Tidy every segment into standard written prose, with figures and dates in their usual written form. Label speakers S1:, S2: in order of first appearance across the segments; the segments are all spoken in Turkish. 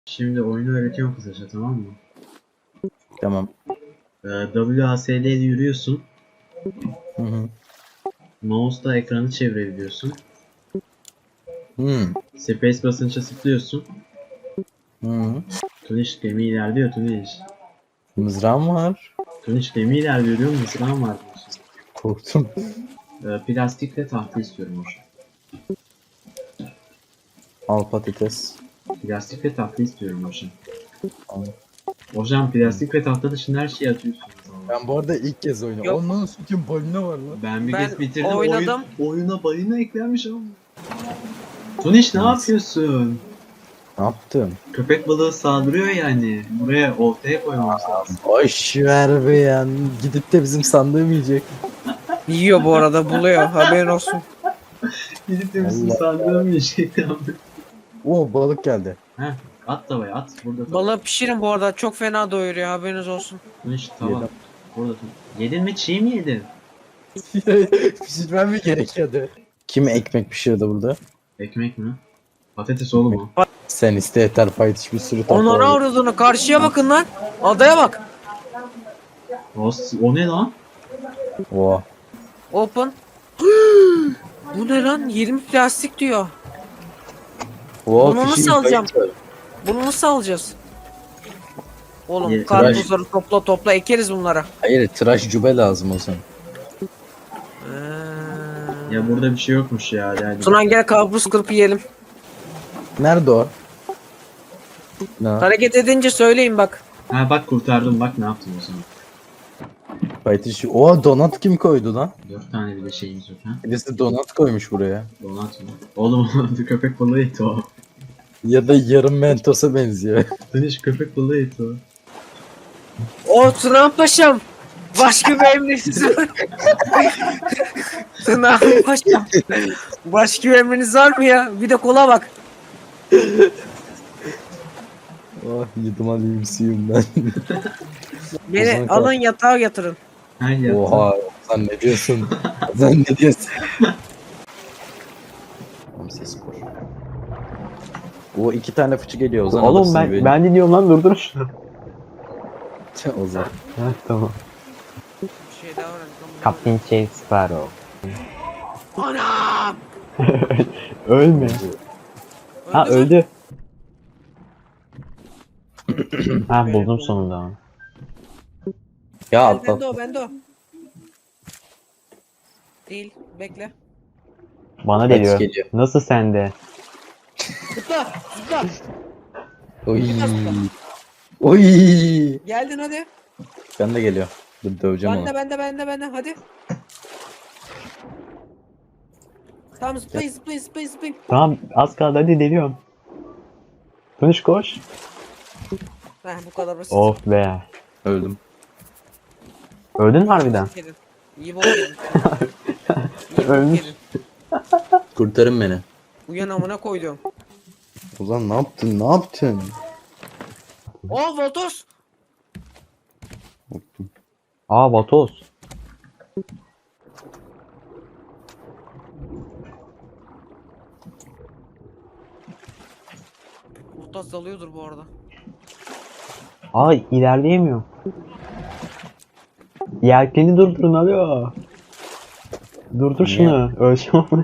S1: Şimdi oyunu öğretiyorum kısaca, tamam mı?
S2: Tamam.
S1: WASD ile yürüyorsun.
S2: Hı hı.
S1: Mouse'la ekranı çevirebiliyorsun.
S2: Hı.
S1: Space basınca zıplıyorsun.
S2: Hı.
S1: Tuniş gemi ilerliyor Tuniş.
S2: Mızrağım var.
S1: Tuniş gemi ilerliyor diyorum, mızrağım var diyorsun.
S2: Korktum.
S1: Plastik ve tahta istiyorum hocam.
S2: Al patates.
S1: Plastik ve tahta istiyorum hocam.
S2: Al.
S1: Hocam plastik ve tahta dışında her şeyi atıyorsunuz.
S2: Ben bu arada ilk kez oynuyorum.
S3: Yok.
S2: Ondan sütun balina var lan.
S1: Ben bir
S3: Ben
S1: kez bitirdim.
S3: oynadım.
S1: Oyuna balina eklenmiş ama. Tuniş ne
S2: Neyse.
S1: yapıyorsun?
S2: Ne yaptım?
S1: Köpek balığı saldırıyor yani. Buraya ortaya koymamız lazım.
S2: Boş ver be ya. Gidip de bizim sandığım yiyecek.
S3: Yiyor bu arada, buluyor. Haberin olsun.
S1: Gidip de bizim
S2: Allah.
S1: sandığım yiyecek abi.
S2: Oo balık geldi.
S1: Heh, at tavaya at. Burada tava.
S3: Balığı pişirin bu arada. Çok fena doyuruyor, haberiniz olsun.
S1: Tuniş tava.
S2: Yedim.
S1: Burada tava. Yedin mi, çiğ mi yedin?
S2: Pişirmem mi gerekiyordu? Kim ekmek pişirdi burada?
S1: Ekmek mi? Patates oğlum o.
S2: Sen iste yeter payt hiçbir sürü tatlı
S3: Onlara
S2: var.
S3: uğradığını karşıya bakın lan. Adaya bak.
S1: O ne lan?
S2: Oha.
S3: Open. Bu ne lan? 20 plastik diyor.
S2: Oha,
S3: Bunu nasıl
S2: fishing
S3: alacağım?
S2: kayıt var.
S3: Bunu nasıl alacağız? Oğlum
S1: Ye-
S3: karpuzları topla ekeriz bunlara.
S2: Hayır tıraş cübe lazım o zaman.
S1: Ya burada bir şey yokmuş ya. Yani.
S3: Tunan gel karpuz kırıp yiyelim.
S2: Nerede o? Ne?
S3: Hareket edince söyleyin bak.
S1: Ha bak kurtardım, bak ne yaptım o zaman.
S2: Payt işi. Oha donat kim koydu lan?
S1: 4 tane bile şeyimiz yok ha.
S2: Birisi donat koymuş buraya.
S1: Donat mı? Oğlum köpek balığı eti o.
S2: Ya da yarım mentosa benziyor.
S1: Tuniş köpek balığı eti o.
S3: O Tunan Paşam. Başka bir emriniz var. Tunan Paşam. Başka bir emriniz var mı ya? Bir de kola bak.
S2: Oh yedim alayım suyum ben.
S3: Beni
S2: Ozan
S3: alın yatağa yatırın.
S1: Her yaptım.
S2: Oha sen ne diyorsun? Sen ne diyorsun? Ses spor. O iki tane fıçı geliyor Ozan.
S4: Oğlum
S2: alırsın
S4: ben
S2: beni.
S4: ben dinliyorum lan, durdur şunu.
S2: Ozan.
S4: Heh, tamam.
S3: Bir şey daha öğrendim.
S4: Captain Jack Sparrow.
S3: Anam!
S4: Ölme. Ha
S3: mü?
S4: öldü. Ha buldum sonunda.
S2: Ya
S3: Bende
S2: atlat.
S3: o, bende o. Değil, bekle.
S4: Bana
S2: Kaç
S4: geliyor.
S2: geliyor?
S4: Nasıl sende?
S3: Zıpla, zıpla.
S2: Oy. Oy.
S3: Geldin hadi.
S2: Ben de geliyor. Dur döveceğim onu.
S3: Bende, hadi. Tamam zıplayın.
S4: Tamam az kaldı, hadi deliyorum. Tunuş koş.
S3: Heh, bu kadar basit.
S4: Of be.
S2: Öldüm.
S4: Öldün mü harbiden?
S3: Yedin. İyi bol yedin. İyi bol
S4: Ölmüş.
S3: yedin.
S2: Kurtarın beni.
S3: Uyan amına koydum.
S2: Ozan ne yaptın? Ne yaptın?
S3: Oh Voltos.
S4: Aa vatoz.
S3: Voltos dalıyordur bu arada.
S4: Aa ilerleyemiyorum. Yelkeni durdurun alo. Durdur
S2: Niye?
S4: şunu. Öleceğim onu.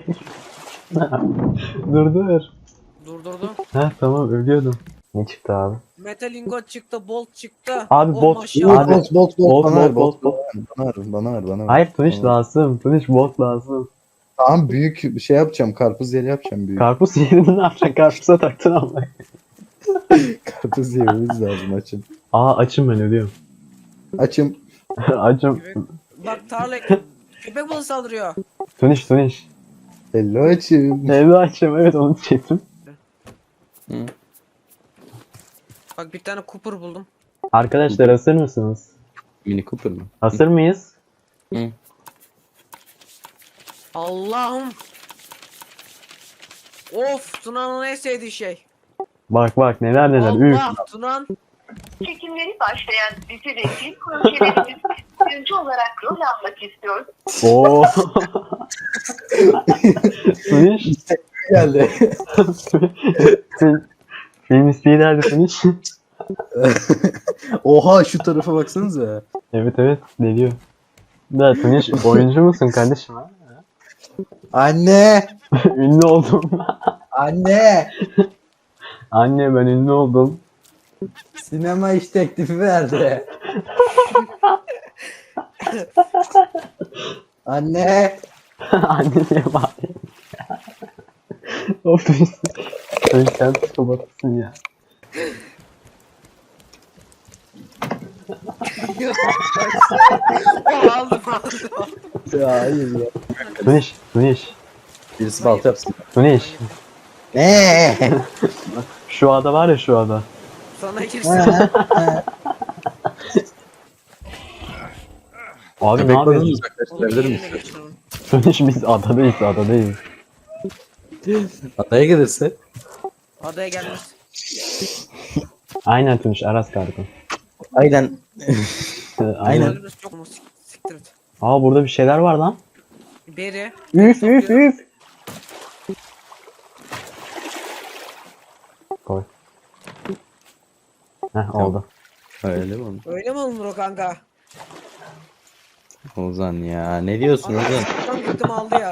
S4: Durdur.
S3: Durdurdum.
S4: Heh tamam, ölüyordum. Ne çıktı abi?
S3: Metal ingot çıktı, bolt çıktı.
S4: Abi
S3: Oh,
S4: bot-
S3: maşallah.
S4: Abi-
S2: Bolt
S4: Bolt,
S2: bana ver
S4: bolt,
S2: bolt bana ver bana ver.
S4: Hayır Tunuş
S2: Bana ver.
S4: lazım. Tunuş bot lazım.
S2: Tamam büyük şey yapacağım. Karpuz yeri yapacağım büyük.
S4: Karpuz yerini ne yapacaksın? Karpuza taktın ama.
S2: Karpuz yememiz lazım açın.
S4: Aa açım, ben ölüyorum.
S2: Açım.
S4: Açım.
S3: Bak tarla köpek balığı saldırıyor.
S4: Tunuş.
S2: Hello açım.
S4: Evde açım, evet onu çektim.
S3: Bak bir tane Cooper buldum.
S4: Arkadaşlar hazır mısınız?
S2: Mini Cooper mı?
S4: Hazır mıyız?
S3: Allah'ım. Of, Tuna'nın en sevdiği şey.
S4: Bak neler. Üf.
S3: Allah, Tunan.
S5: Çekimleri başlayan dizi ve film projelerimizde oyuncu olarak rol almak istiyor.
S4: Oo. Tunuş.
S2: Geldi.
S4: Film isteği nerede Tuniş?
S2: Oha şu tarafa baksanıza.
S4: Evet evet deliyor. Da Tuniş oyuncu musun kardeşim ha?
S2: Anne!
S4: Ünlü oldum.
S2: Anne!
S4: Anne ben ünlü oldum.
S2: Sinema iş teklifi verdi. Anne!
S4: Anne diye bağırıyor. Of Tuniş. Tuniş sen psikopatsın ya.
S3: Aldım aldım.
S2: Ya hayır ya.
S4: Tuniş.
S2: Birisi balta yapsın.
S4: Tuniş.
S2: Ne?
S4: Şu ada var ya şu ada.
S3: Sana girsin.
S4: Abi ne
S2: Bek balığını
S4: yapıyorsun?
S2: uzaklaştırabilir
S3: Yerine
S2: misin?
S3: geçir onu.
S4: Tuniş biz adadayız.
S2: Adaya gelirse.
S3: Adaya gelmez.
S4: Aynen Tuniş Aras kargo.
S2: Aynen.
S4: Aynen.
S3: Öldürürüz, çok mu siktir et.
S4: Aa burada bir şeyler var lan.
S3: Beri.
S4: Üf. Koy. Heh oldu.
S2: Öyle mi oldu?
S3: Öyle mi olunur o kanka?
S2: Ozan ya ne diyorsun Ozan?
S3: Tam gittim aldı ya.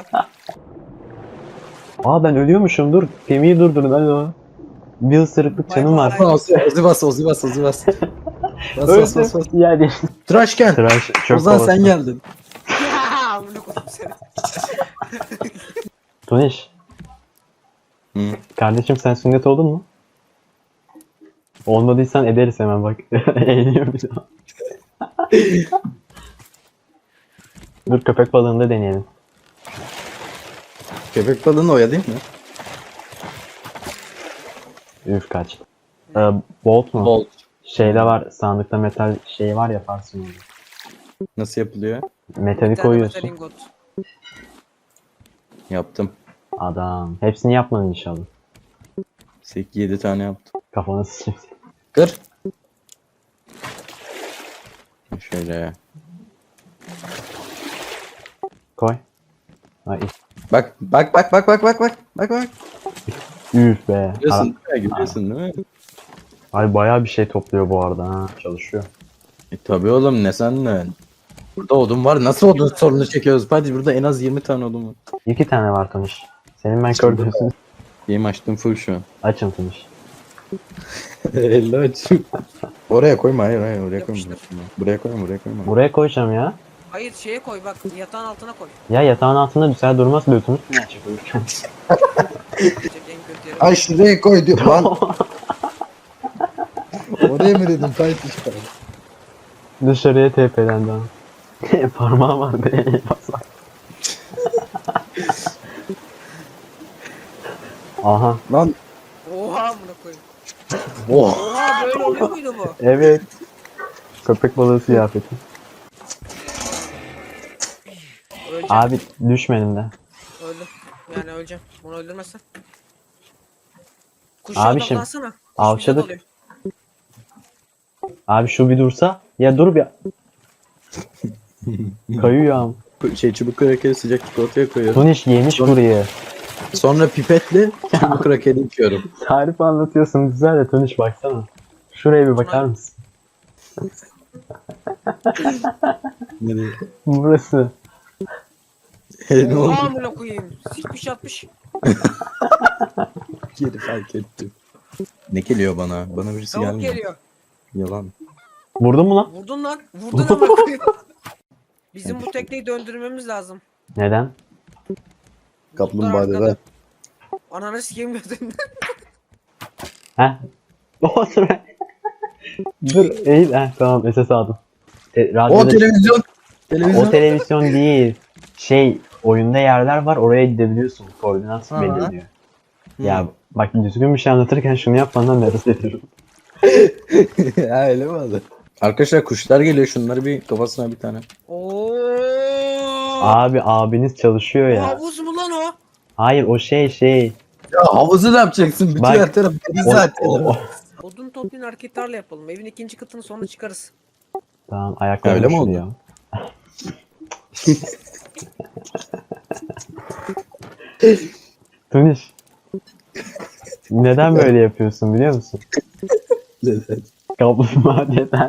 S4: Aa ben ölüyormuşum dur. Gemiyi durdurun hadi o. Bir ısırıklık canım var.
S3: Bay bay.
S2: Ozi bas. Bas.
S4: Yani.
S2: Tıraşken.
S4: Tıraş çöp
S2: Ozan
S4: kovası.
S2: sen geldin.
S3: Amına koydum seni.
S4: Tuniş.
S2: Hı.
S4: Kardeşim sen sünnet oldun mu? Olmadıysan ederiz hemen bak. Eğleniyor bir daha. Dur köpek balığını da deneyelim.
S2: Köpek balığını oya değil mi?
S4: Üf kaç. Bolt mu?
S2: Bolt.
S4: Şeyde var sandıkta metal şey var yaparsın onu.
S2: Nasıl yapılıyor?
S4: Metali
S3: Bir tane
S4: koyuyorsun.
S3: metal ingot.
S2: Yaptım.
S4: Adam. Hepsini yapmadın inşallah.
S2: 8-7 tane yaptım.
S4: Kafanı sıçayım.
S2: Kır. Şöyle.
S4: Koy. Ay,
S2: Bak.
S4: üf be.
S2: Görüyorsun değil mi? Görüyorsun değil mi?
S4: Ay bayağı bir şey topluyor bu arada ha. Çalışıyor.
S2: Tabii oğlum ne sandın? Burada odun var. Nasıl odun sorunu çekiyoruz? Hadi burada en az 20 tane odun var.
S4: 2 tane var Tuniş. Senin ben kördüğünsün.
S2: Benim açtım full şu an.
S4: Açın Tuniş.
S2: Elle açayım. Oraya koyma hayır oraya koyma.
S3: Yapıştır.
S2: Buraya koyma.
S4: Buraya koyacağım ya.
S3: Hayır şeye koy bak yatağın altına koy.
S4: Ya yatağın altında bir saat durmaz böyle Tuniş.
S3: Çek en kötü yere.
S2: Ay şuraya koy diyor lan. Oraya mı dedim Tayt işte.
S4: Dışarıya TP'lendi ama. Parmağı var be. Aha.
S2: Lan.
S3: Oha amına koyayım.
S2: Oh.
S3: Oha böyle oluyor muydu bu?
S4: Evet. Köpek balığı ziyafeti.
S3: Öleceğim.
S4: Abi düşmedim de.
S3: Öldüm. Yani öleceğim. Bunu öldürmezsen. Kuş
S4: Abi
S3: odaklansana. Kuş
S4: avşadık.
S3: bize dalıyor.
S4: Abi şu bir dursa. Ya dur bir. Kayıyor am.
S2: Çubuk krakeri sıcak çikolataya koyuyorum.
S4: Tuniş yemiş burayı.
S2: Sonra pipetle çubuk krakeri içiyorum.
S4: Tarif anlatıyorsun güzel de Tuniş baksana. Şuraya bir bakar mısın?
S2: Ne diyor?
S4: Burası.
S2: Ne oldu?
S3: Oha amına koyayım. Sikmiş atmış.
S2: Geri fark ettim. Ne geliyor bana? Bana birisi
S3: Tavuk
S2: gelmiyor.
S3: geliyor.
S2: Yalan.
S4: Vurdun mu lan?
S3: Vurdun lan. Vurdun amına koyayım. Bizim bu tekneyi döndürmemiz lazım.
S4: Neden?
S2: Kaplumbağa dede.
S3: arkada. Ananı sikeyim gözümden.
S4: Heh. Otur be. Dur eğil. Heh tamam SS aldım.
S2: O
S4: Radyoda-
S2: televizyon.
S4: o televizyon değil. Şey oyunda yerler var oraya gidebiliyorsun. Koordinat
S2: Ha.
S4: belli diyor. Ya bak düzgün bir şey anlatırken şunu yapmandan nefret ediyorum.
S2: Ha öyle mi oldu? Arkadaşlar kuşlar geliyor. Şunları bir kafasına bir tane.
S3: Oo.
S4: Abi abiniz çalışıyor ya.
S3: Havuz mu lan o?
S4: Hayır o şey.
S2: Ya havuzu ne yapacaksın? Bütün
S4: Bak,
S2: her taraf deniz
S4: O-
S2: zaten.
S4: o-
S3: Odun toplayın hareketlerle yapalım. Evin ikinci katını sonra çıkarız.
S4: Tamam ayaklarım
S2: Öyle mi oldu?
S4: üşüyor. Tuniş. Neden böyle yapıyorsun biliyor musun? Kaplumbağa neden?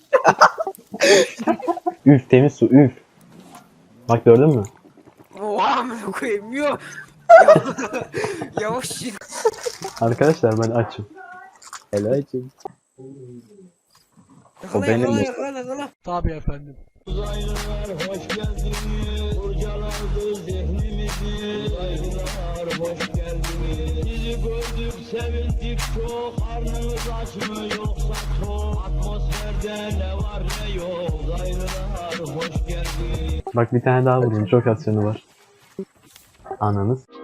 S4: Üf temiz su üf. Bak gördün mü?
S3: Oha amına koyayım yok. Yavaş yürü.
S4: Arkadaşlar ben açım.
S2: Helacım.
S3: Yakala,
S2: benim
S3: yakala,
S2: o.
S3: yakala, yakala.
S6: Tabii efendim.
S4: Bak bir tane daha vurun çok az canı var. Ananız.